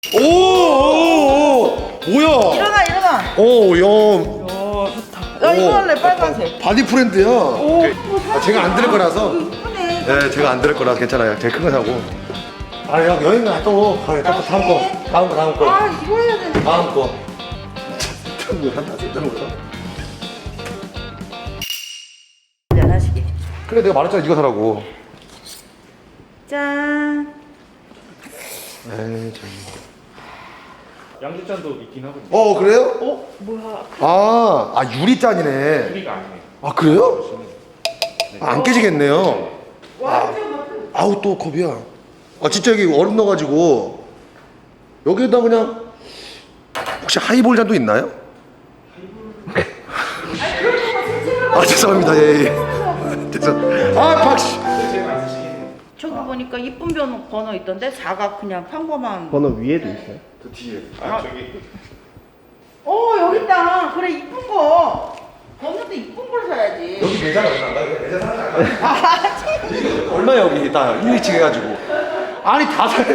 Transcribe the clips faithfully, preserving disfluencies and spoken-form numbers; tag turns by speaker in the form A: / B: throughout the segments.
A: 오, 오, 오, 뭐야?
B: 일어나 일어나.
A: 오, 야.
B: 야 좋다. 나 이거 할래 빨간색.
A: 바디 프렌드야.
B: 오.
A: 아, 제가 안 들을 거라서.
B: 이쁘네.
A: 네, 제가 안 들을 거라 괜찮아요. 제가 큰 거 사고. 아, 야, 여행 가 또. 아, 또 다음 거. 다음 거, 다음 거.
B: 아 이거 해야 되는데.
A: 다음 거. 뭐 한다, 쓸데없는 거다.
B: 하나씩.
A: 그래, 내가 말했잖아, 이거 사라고.
B: 짠.
A: 에이, 참.
C: 양주잔도 있긴 하거든요.
A: 어, 그래요?
B: 어 뭐야?
A: 아, 아 유리잔이네.
C: 유리가 아니에요.
A: 아, 그래요? 아, 안 깨지겠네요.
B: 완전 같은.
A: 아우, 또 컵이야. 아, 진짜 여기 얼음 넣어가지고 여기에다 그냥 혹시 하이볼 잔도 있나요? 아, 죄송합니다. 예, 예. 죄송. 아, 박씨.
C: 제가 있으시긴
B: 저기 보니까 이쁜 번호, 번호 있던데 사각 그냥 평범한.
D: 번호 위에도 있어요?
A: 저 뒤에.
C: 아 저기
B: 어 여기 있다. 그래 이쁜 거. 번호도 이쁜 걸 사야지.
A: 여기 매장 얼마? 나 이거 매장 사는 거 아니야? 얼마 여기 다 일, 이 층 해가지고. 아니 다 사.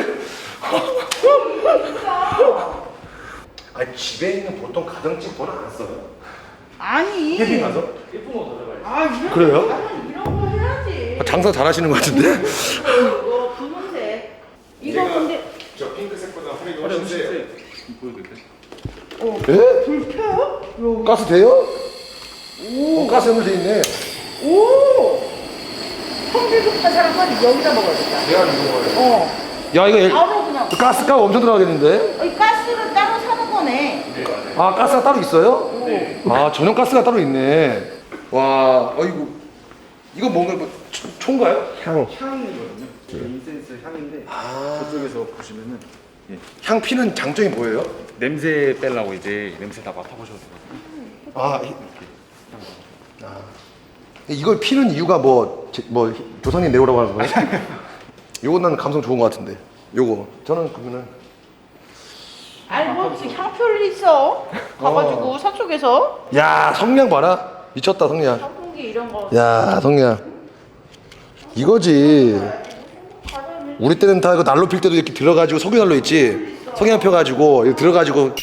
A: 아니 집에 있는 보통 가정집 번호 안 써요.
B: 아니.
A: 캠핑 가서?
C: 예쁜 거 들어가요.
B: 아 이런
A: 그래요?
B: 나는 이런 거 해야지.
A: 장사 잘하시는 것 같은데?
B: 이거 분홍색. 이거 근데
C: 저 핑크색보다 화려히 훨씬 세. 보여드릴까요?
B: 어
A: 예?
B: 불 켜요? 요.
A: 가스 돼요? 오. 어, 가스 연결돼 있네.
B: 오. 성질 급한 사람은 여기다 먹어야겠다.
A: 내가 이거 거예요.
B: 어.
A: 야 이거 엘-
B: 바로 그냥.
A: 가스값 엄청 들어가겠는데?
B: 이 가스를 따로 사는 거네.
A: 아 가스가 따로 있어요?
C: 네.
A: 아 전용 가스가 따로 있네. 와, 어이구 이거 뭔가 뭐 초- 초인가요?
D: 향.
C: 향이거든요. 인센스 향인데 저쪽에서 보시면은
A: 향 피는 장점이 뭐예요?
C: 냄새 빼려고 이제 냄새 다 맡아보셔도 돼요.
A: 아, 이, 아 이걸 피는 이유가 뭐, 제- 뭐 조상님 내오라고 하는 거예요? 요건 난 감성 좋은 것 같은데. 요거 저는 그러면은
B: 아니 뭐 무슨 향표를 있어? 가가지고 서쪽에서
A: 야 성냥 봐라 미쳤다 성냥.
B: 선풍기 이런 거.
A: 야 성냥 이거지. 우리 때는 다 이거 난로 필 때도 이렇게 들어가지고 석유난로 있지. 석양 펴가지고 이거 들어가지고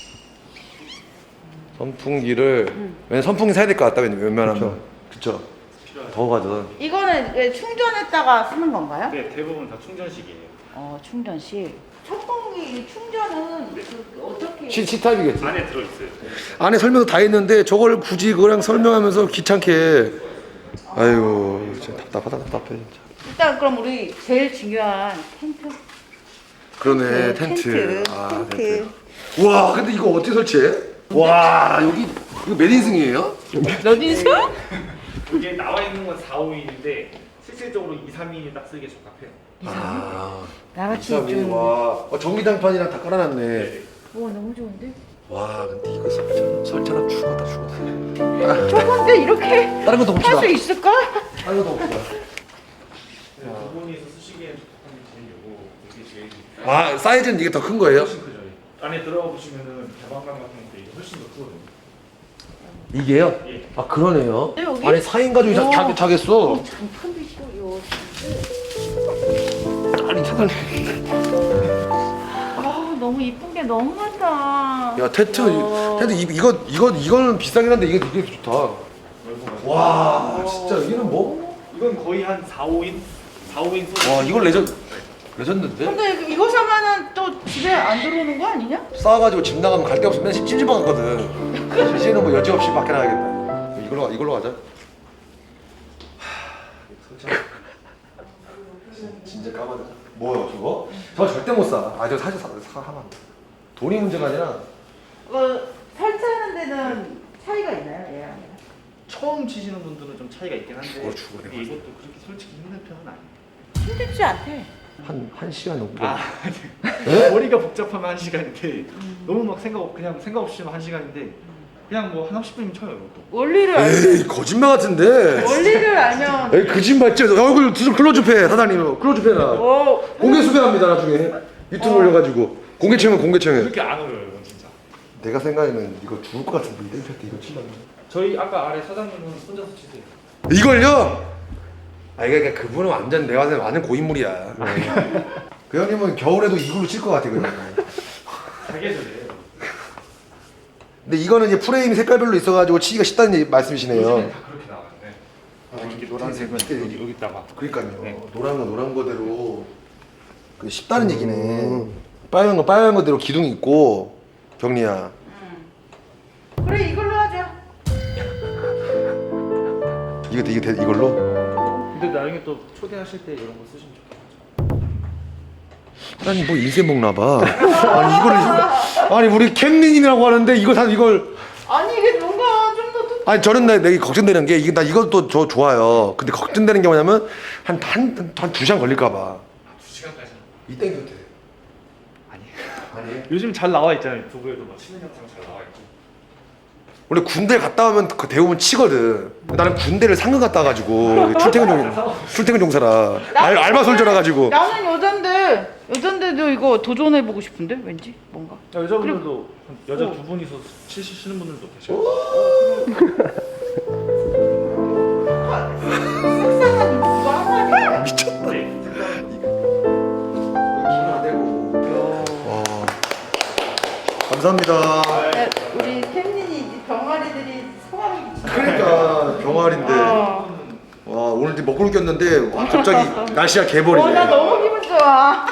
A: 선풍기를 왜냐 선풍기 사야 될 것 같다 웬만하면. 그쵸. 더워가지고.
B: 이거는 왜 충전했다가 쓰는 건가요?
C: 네, 대부분 다 충전식이에요.
B: 어 충전실. 선풍기 충전은 그 어떻게?
A: C, C타입이겠지.
C: 안에 들어있어요.
A: 안에 설명도 다 했는데 저걸 굳이 그냥 설명하면서 귀찮게. 아유 진짜 답답하다 답답해 진짜.
B: 일단 그럼 우리 제일 중요한 텐트.
A: 그러네
B: 그
A: 텐트.
B: 텐트,
A: 아
B: 텐트.
A: 텐트. 와 근데 이거 어떻게 설치해? 와 여기 이거 몇 인승이에요?
B: 러딘스?
C: 이게 나와 있는 건 사, 오 인인데 실질적으로 이, 삼 인이 딱 쓰기에 적합해요.
A: 아
B: 나같이
A: 이삼이.
B: 좀.
A: 와 어, 전기장판이랑 다 깔아놨네.
B: 와 너무 좋은데?
A: 와 근데 이거 설치 설치하면 죽었다 죽었어.
B: 저건데 이렇게
A: 다른 것도 봅시다.
B: 할 수 있을까?
A: 다른 것도 봅시다.
C: 두 분이서 쓰시기엔 적합한 게 제일 요거 이게 제일
A: 아 사이즈는 이게 더 큰 거예요?
C: 훨씬 크죠. 안에 들어가 보시면은 개방감 같은 것도 이게 훨씬 더 크거든요.
A: 이게요?
C: 예.
A: 아 그러네요.
B: 네, 여기?
A: 아니 사 인 가족이 자,
B: 오.
A: 자, 자겠어.
B: 장판도 있고 요.
A: 아니 사장님.
B: 아 너무 이쁜 게 너무 많다.
A: 야 텐트
B: 어.
A: 텐트 이, 이거 이거 이거는 비싸긴 한데 이게 되게 좋다. 와 진짜 이거는 뭐?
C: 이건 거의 한 사, 오 인? 사, 오 인 소리.
A: 와 이걸 레전 레전드인데?
B: 근데 이거 사면은 또 집에 안 들어오는 거 아니냐?
A: 싸가지고 집 나가면 갈 데 없으면 찜질방 갔거든. 이제는 뭐 여지없이 밖에 나가겠다. 이걸로 이걸로 가자. 진짜 까마득. 뭐야 저거? 저거 절대 못 사. 아 저 사실 사, 사 하면 안 돼. 돈이 문제가 아니라
B: 어, 설치하는 데는 차이가 있나요? 얘랑?
C: 처음 치시는 분들은 좀 차이가 있긴 한데
A: 죽어, 죽어,
C: 근데 이것도 그렇게 솔직히 힘든 편은 아니에요.
B: 힘들지 않대.
A: 한 한 시간 정도.
C: 아,
A: 네?
C: 머리가 복잡하면 한 시간인데 너무 막 생각 없- 그냥 생각 없이 하면 한 시간인데 그냥 뭐 한 삼십 분이면 쳐요 이것도.
B: 원리를
A: 에이
B: 알면
A: 거짓말 같은데.
B: 원리를 알면
A: 에이 거짓말 진짜 얼굴 좀 클로즈해 사장님 클로즈해 나.
B: 어
A: 공개 수배합니다 나중에 유튜브 올려가지고 공개 채용 공개 채용.
C: 그렇게 안 어려워요 이건 진짜.
A: 내가 생각에는 이거 죽을 것 같은데 이 땡볕 때 이거 치면.
C: 저희 아까 아래 사장님은 혼자서 치세요.
A: 이걸요? 아 이게 그러니까 그분은 완전 내가 생각에 완전 고인물이야. 그 형님은 겨울에도 이걸로 칠 것 같아 그냥.
C: 사계절이에요.
A: 근데 이거는 이제 프레임이 색깔별로 있어가지고 치기가 쉽다는 얘기- 말씀이시네요.
C: 요즘엔 다 그렇게 나와요. 네.
D: 아, 이렇게 노란색은 여기, 여기다가.
A: 그러니까요.
D: 네.
A: 노란 건 노란 거대로 그 쉽다는 얘기네. 빨간 건 빨간 거대로 기둥이 있고 경리야.
B: 그래 이걸로 하자.
A: 이거 이게 돼- 이걸로?
D: 근데 나중에 또 초대하실 때 이런 거 쓰시면 좋겠어요.
A: 아니 뭐 인쇄 먹나 봐. 아니 이거를 아니 우리 캠린이라고 하는데 이거 다 이걸
B: 아니 이게 뭔가 좀 더
A: 아니 저는 나 내가 걱정되는 게 이게 나 이것도 저 좋아요. 근데 걱정되는 게 뭐냐면 한한한두 시간 걸릴까 봐.
C: 두 시간까지는.
A: 이 땡겨도 돼.
C: 아니.
A: 아니.
C: 요즘 잘 나와 있잖아요. 유튜브에도 막 치는 영상 잘 나와 있고.
A: 원래 군대 갔다 오면 그 대부분 치거든. 나는 군대를 상근 갔다 와가지고 출퇴근 종 출퇴근 종사라 알, 알바 솔저라 가지고.
B: 나는 여잔데 여잔데도 이거 도전해보고 싶은데 왠지 뭔가.
C: 야, 여자분들도 한 여자 두 분이서 치시는 분들도 계셔요.
B: 속상한 이거 하나네.
A: 미쳤다.
C: 네.
A: 와. 감사합니다.
B: 야, 우리 캠린이 이제 병아리들이 소감이
A: 그러니까 병아리인데.
B: 어.
A: 와 오늘 이제 먹구름 꼈는데 갑자기 날씨가 개버리네.
B: 어, 나 너무 기분 좋아.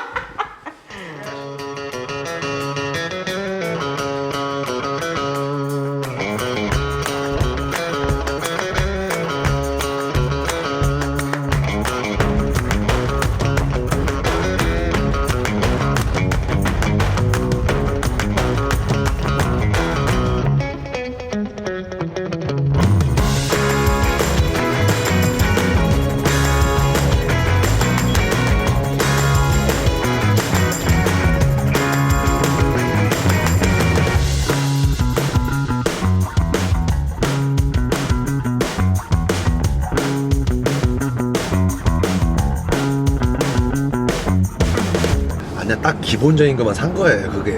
A: 아니야 딱 기본적인 것만 산 거예요 그게.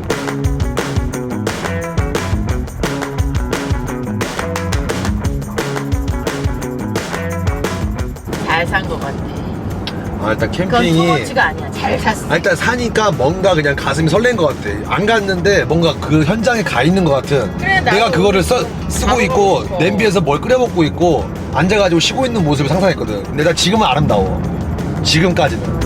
B: 잘 산 것 같아.
A: 아 일단
B: 그건
A: 캠핑이
B: 소모치가 아니야. 잘 샀어.
A: 아, 일단 사니까 뭔가 그냥 가슴이 설렌 것 같아. 안 갔는데 뭔가 그 현장에 가 있는 것 같은.
B: 그래, 나도
A: 내가 그거를 써, 쓰고
B: 가보고
A: 있고
B: 싶어.
A: 냄비에서 뭘 끓여 먹고 있고 앉아가지고 쉬고 있는 모습을 상상했거든. 근데 나 지금은 아름다워. 지금까지는.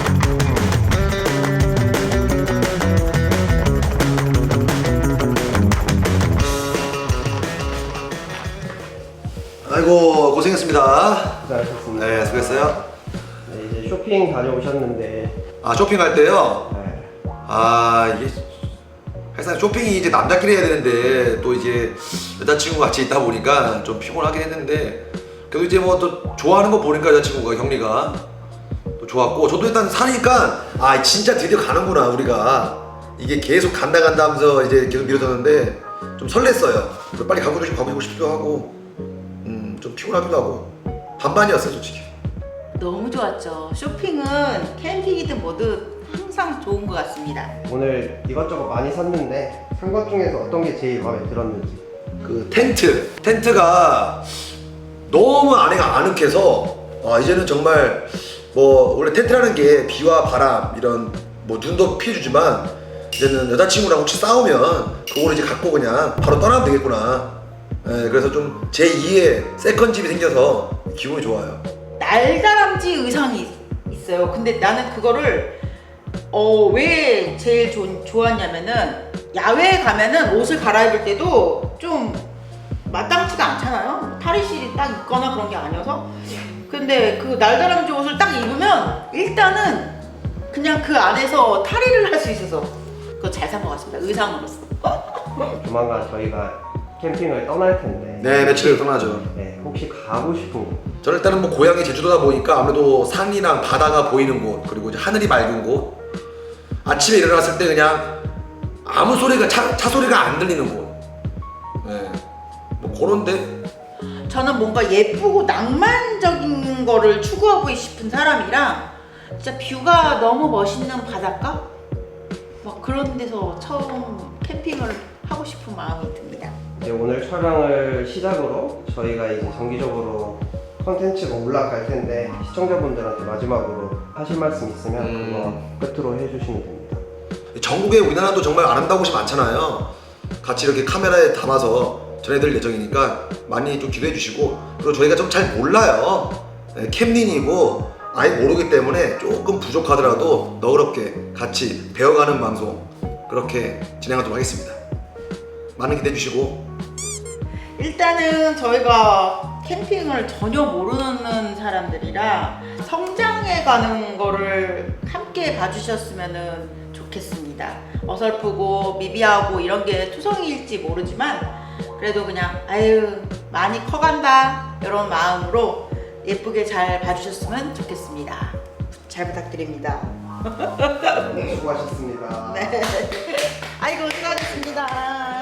A: 아이고 고생했습니다.
E: 수고하셨습니다.
A: 네 수고했어요.
E: 네, 이제 쇼핑 다녀오셨는데
A: 아 쇼핑할 때요.
E: 네,
A: 아 이게 사실 쇼핑이 이제 남자끼리 해야 되는데 또 이제 여자친구 같이 있다 보니까 좀 피곤하긴 했는데 그래도 이제 뭐 또 좋아하는 거 보니까 여자친구가 경리가 또 좋았고 저도 일단 사니까 아 진짜 드디어 가는구나 우리가 이게 계속 간다 간다 하면서 이제 계속 미뤄졌는데 좀 설렜어요. 그리고 빨리 가고 싶고 가고 싶기도 하고 음 좀 피곤하기도 하고 반반이었어요 솔직히.
B: 너무 좋았죠. 쇼핑은 캠핑이든 뭐든 항상 좋은 것 같습니다.
E: 오늘 이것저것 많이 샀는데 산 것 중에서 어떤 게 제일 마음에 들었는지.
A: 그 텐트 텐트가 너무 안에가 아늑해서 아 이제는 정말 뭐 원래 텐트라는 게 비와 바람 이런 뭐 눈도 피해주지만 이제는 여자친구랑 혹시 싸우면 그걸 이제 갖고 그냥 바로 떠나면 되겠구나. 예, 그래서 좀 제이의 세컨집이 생겨서 기분이 좋아요.
B: 날다람쥐 의상이 있어요. 근데 나는 그거를 어 왜 제일 조, 좋았냐면은 야외에 가면은 옷을 갈아입을 때도 좀 마땅치가 않잖아요. 탈의실이 딱 있거나 그런 게 아니어서. 근데 그 날다람쥐 옷을 딱 입으면 일단은 그냥 그 안에서 탈의를 할 수 있어서 그거 잘 산 것 같습니다. 의상으로서.
E: 조만간 저희가 캠핑을 떠날 텐데.
A: 네 며칠 떠나죠.
E: 네, 혹시 가고 싶은 곳.
A: 저는 일단은 뭐 고향이 제주도다 보니까 아무래도 산이랑 바다가 보이는 곳 그리고 이제 하늘이 맑은 곳 아침에 일어났을 때 그냥 아무 소리가 차, 차 소리가 안 들리는 곳. 네. 뭐 그런데
B: 저는 뭔가 예쁘고 낭만적인 거를 추구하고 싶은 사람이랑 진짜 뷰가 너무 멋있는 바닷가? 막 그런 데서 처음 캠핑을 하고 싶은 마음이 듭니다.
E: 이제 오늘 촬영을 시작으로 저희가 이제 정기적으로 컨텐츠가 올라갈 텐데 시청자분들한테 마지막으로 하실 말씀 있으면
A: 음.
E: 그거 끝으로 해주시면 됩니다.
A: 전국에 우리나라도 정말 아름다운 곳이 많잖아요. 같이 이렇게 카메라에 담아서 전해드릴 예정이니까 많이 좀 기대해 주시고, 그리고 저희가 좀 잘 몰라요. 네, 캠린이고 아예 모르기 때문에 조금 부족하더라도 너그럽게 같이 배워가는 방송 그렇게 진행하도록 하겠습니다. 많은 기대해 주시고.
B: 일단은 저희가 캠핑을 전혀 모르는 사람들이라 성장해 가는 거를 함께 봐주셨으면 좋겠습니다. 어설프고 미비하고 이런 게 투성이일지 모르지만 그래도 그냥 아유 많이 커간다 이런 마음으로 예쁘게 잘 봐주셨으면 좋겠습니다. 잘 부탁드립니다.
E: 수고하셨습니다.
B: 네. 아이고 수고하셨습니다.